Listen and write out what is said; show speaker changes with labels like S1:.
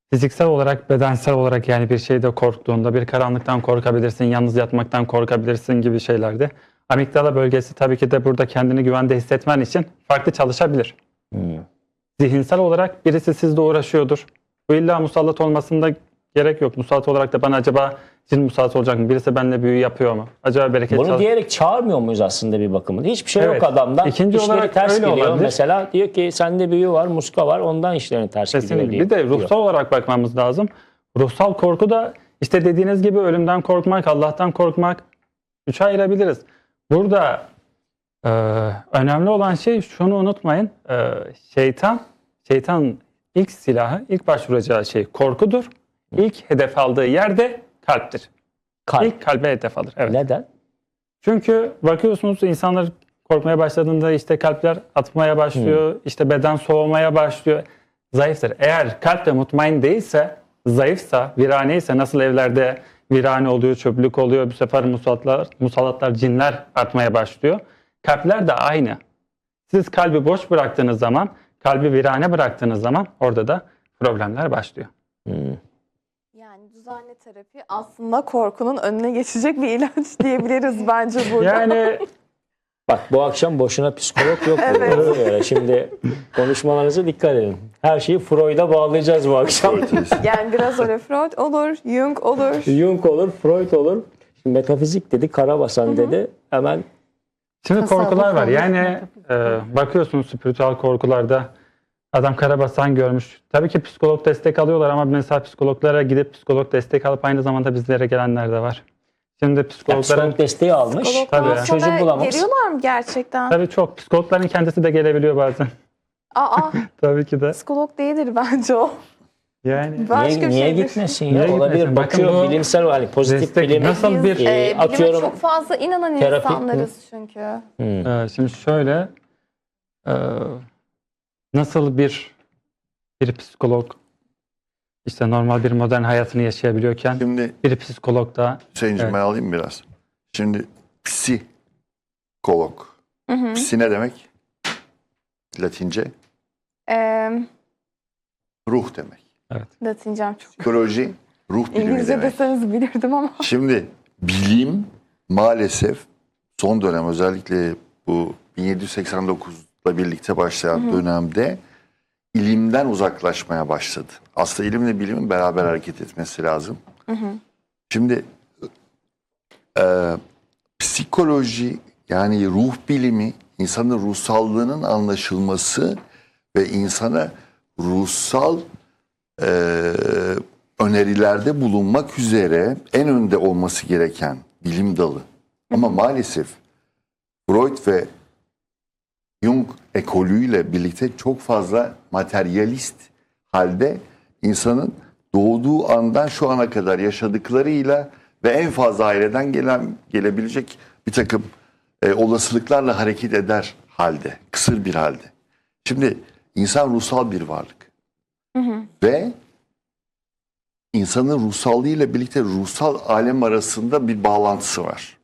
S1: fiziksel olarak, bedensel olarak yani bir şeyde korktuğunda, bir karanlıktan korkabilirsin, yalnız yatmaktan korkabilirsin gibi şeylerde. Amigdala bölgesi tabii ki de burada kendini güvende hissetmen için farklı çalışabilir. Zihinsel olarak birisi sizle uğraşıyordur. Bu illa musallat olmasında gerek yok. Musallat olarak da bana acaba cin musallat olacak mı? Birisi benimle büyü yapıyor mu? Acaba bereket
S2: Bunu diyerek çağırmıyor muyuz aslında bir bakımında? Hiçbir şey
S1: Evet.
S2: yok adamdan.
S1: İkinci
S2: İşleri
S1: olarak
S2: ters
S1: öyle
S2: geliyor
S1: olabilir.
S2: mesela. Diyor ki sende büyü var, muska var. Ondan işlerin ters gidiyor
S1: Kesinlikle.
S2: diyor.
S1: Bir de ruhsal olarak bakmamız lazım. Ruhsal korku da işte dediğiniz gibi ölümden korkmak, Allah'tan korkmak, üçe ayırabiliriz. Burada önemli olan şey şunu unutmayın. Şeytan ilk silahı, ilk başvuracağı şey korkudur. İlk hedef aldığı yerde kalptir.
S2: Kalp.
S1: İlk kalbe hedef alır. Evet.
S2: Neden?
S1: Çünkü bakıyorsunuz insanlar korkmaya başladığında işte kalpler atmaya başlıyor, işte beden soğumaya başlıyor. Zayıftır. Eğer kalp de mutmain değilse, zayıfsa, viraneyse nasıl evlerde virane oluyor, çöplük oluyor, bu sefer musallatlar, cinler artmaya başlıyor. Kalpler de aynı. Siz kalbi boş bıraktığınız zaman, kalbi virane bıraktığınız zaman orada da problemler başlıyor.
S3: Yani düzenli terapi aslında korkunun önüne geçecek bir ilaç diyebiliriz bence burada.
S1: Yani
S2: Bak bu akşam boşuna psikolog yok.
S3: Evet.
S2: Böyle. Şimdi konuşmalarınıza dikkat edin. Her şeyi Freud'a bağlayacağız bu akşam.
S3: Yani biraz öyle Freud olur, Jung olur.
S2: Jung olur, Freud olur. Şimdi metafizik dedi, Karabasan dedi. Hemen
S1: şimdi
S3: Tasavvuf
S1: korkular var.
S3: olur.
S1: Yani bakıyorsunuz spiritüel korkularda adam karabasan görmüş. Tabii ki psikolog destek alıyorlar ama mesela psikologlara gidip psikolog destek alıp aynı zamanda bizlere gelenler de var. Şimdi psikologların
S2: psikolog desteği almış.
S3: Psikologlar
S1: Tabii.
S2: Çözüm
S3: sana
S2: bulamamış.
S3: geliyorlar mı gerçekten?
S1: tabii çok psikologların kendisi de gelebiliyor bazen.
S3: Aa,
S1: Tabii ki de.
S3: psikolog değildir bence o.
S1: Yani
S3: Başka
S2: Niye,
S3: bir
S2: niye
S3: şeydir.
S2: gitmesin ya?
S1: Niye
S2: Olabilir.
S1: gitmesin? Bakın
S2: Bakıyor
S1: bu
S2: bilimsel hani pozitif
S1: destek
S2: bilim.
S1: nasıl
S3: Biz
S1: bir
S3: bilime
S2: atıyorum
S3: çok fazla inanan
S2: terapi-
S3: insanlarız çünkü.
S1: şimdi şöyle nasıl bir psikolog işte normal bir modern hayatını yaşayabiliyorken
S4: Şimdi
S1: bir psikolog da
S4: Hüseyin'cim
S1: Evet.
S4: ben alayım biraz. Şimdi psikolog. Psi ne demek? Latince. Ruh demek.
S3: Latincem çok.
S4: Psikoloji ruh bilimi
S3: İngilizce
S4: demek.
S3: deseniz bilirdim ama.
S4: Şimdi bilim maalesef son dönem özellikle bu 1789'la birlikte başlayan dönemde ilimden uzaklaşmaya başladı. Aslında ilimle bilimin beraber hareket etmesi lazım. Şimdi psikoloji yani ruh bilimi insanın ruhsallığının anlaşılması ve insana ruhsal önerilerde bulunmak üzere en önde olması gereken bilim dalı. Ama maalesef Freud ve Jung ekolüyle birlikte çok fazla materyalist halde insanın doğduğu andan şu ana kadar yaşadıklarıyla ve en fazla aileden gelebilecek bir takım olasılıklarla hareket eder halde, kısır bir halde. Şimdi insan ruhsal bir varlık. Ve insanın ruhsallığıyla birlikte ruhsal alem arasında bir bağlantısı var.